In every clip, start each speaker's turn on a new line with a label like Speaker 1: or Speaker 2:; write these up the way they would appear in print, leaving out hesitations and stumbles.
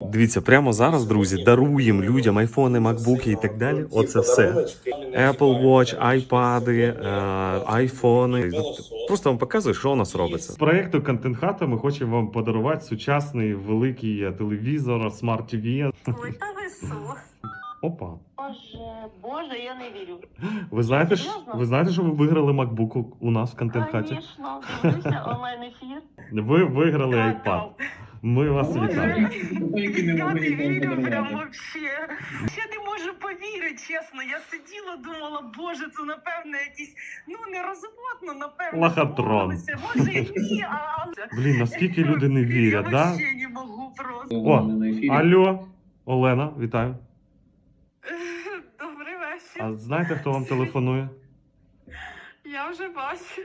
Speaker 1: Дивіться, прямо зараз, друзі, даруємо людям айфони, макбуки і так далі. Оце все. Apple Watch, айпади, айфони. Просто вам показую, що у нас робиться. З проєкту Контент Хата ми хочемо вам подарувати сучасний великий телевізор, смарт TV.
Speaker 2: Ой, та ви що?
Speaker 1: Опа.
Speaker 2: Боже, я не вірю.
Speaker 1: Ви знаєте, що ви виграли MacBook у нас в Контент Хаті?
Speaker 2: Звісно, дивлюся онлайн-ефір.
Speaker 1: Ви виграли iPad. Ми вас
Speaker 2: Боже,
Speaker 1: вітаємо.
Speaker 2: я не вірю прям вообще. Я не можу повірити, чесно. Я сиділа, думала, боже, це напевно якісь, нерозумно, напевно.
Speaker 1: Лохотрон.
Speaker 2: домовилися. Може і ні,
Speaker 1: Блін, наскільки люди не вірять,
Speaker 2: я
Speaker 1: да?
Speaker 2: вообще не можу просто.
Speaker 1: О, алло, Олена, вітаю.
Speaker 2: Добрий вечір.
Speaker 1: А знаєте, хто вам телефонує?
Speaker 2: Я вже бачу.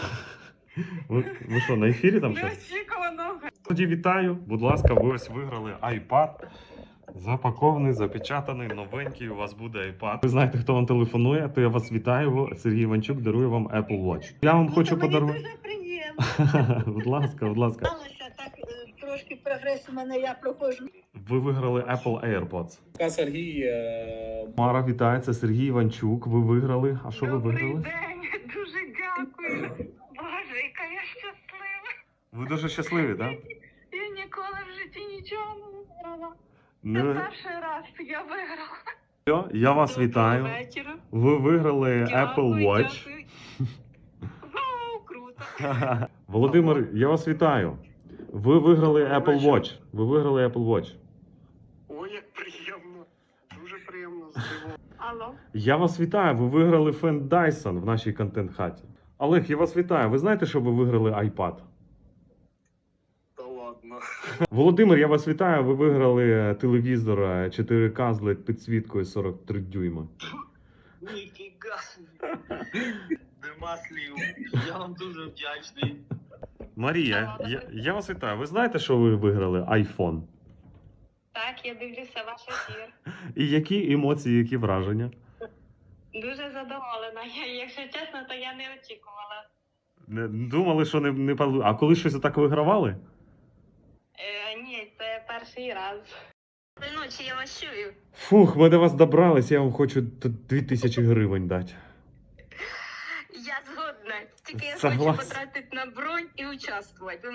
Speaker 1: Ви що, на ефірі там щось?
Speaker 2: Неочікувано.
Speaker 1: Тоді вітаю, будь ласка, ви ось виграли iPad. Запакований, запечатаний, новенький, у вас буде iPad. Ви знаєте, хто вам телефонує, то я вас вітаю. Сергій Іванчук дарує вам Apple Watch. Я вам хочу подарувати.
Speaker 2: Мені дуже приємно.
Speaker 1: Будь ласка, будь ласка.
Speaker 2: Сталося так, трошки прогрес у мене, я проходжу.
Speaker 1: Ви виграли Apple AirPods.
Speaker 3: Сергій.
Speaker 1: Мара, вітаю, це Сергій Іванчук. Ви виграли. А що ви
Speaker 2: Добрий
Speaker 1: виграли?
Speaker 2: день, дуже дякую. Боже, яка я щаслива.
Speaker 1: Ви дуже щасливі, так?
Speaker 2: Я ніколи в житті нічого не виграла. Це
Speaker 1: Не...
Speaker 2: перший раз я виграла.
Speaker 1: Все, я вас вітаю.
Speaker 2: Доброго вечора.
Speaker 1: Ви виграли Apple
Speaker 2: Дякую,
Speaker 1: Watch.
Speaker 2: дякую. Вау, круто.
Speaker 1: Володимир, я вас вітаю. Ви виграли Apple Watch. Ви виграли Apple Watch.
Speaker 3: Ой, як приємно. Дуже приємно здивовано.
Speaker 2: Алло.
Speaker 1: Я вас вітаю. Ви виграли фен Dyson в нашій контент-хаті. Олег, я вас вітаю. Ви знаєте, що ви виграли iPad?
Speaker 3: Та ладно.
Speaker 1: Володимир, я вас вітаю. Ви виграли телевізор 4К з LED підсвіткою 43 дюйма.
Speaker 3: Ніфіга. Нема слів. Я вам дуже вдячний.
Speaker 1: Марія, я вас вітаю. Ви знаєте, що ви виграли iPhone?
Speaker 2: Так, я дивлюся ваш ефір.
Speaker 1: І які емоції, які враження?
Speaker 2: Дуже задоволена. Якщо чесно, то я не очікувала.
Speaker 1: Не думали, що не А коли щось так вигравали?
Speaker 2: Ні, це перший раз. Ночі я вас чую.
Speaker 1: Фух, ми до вас добрались, я вам хочу 2000 гривень дати.
Speaker 2: Я згодна. Тільки я
Speaker 1: Согласен.
Speaker 2: хочу потратити на бронь і участвувати.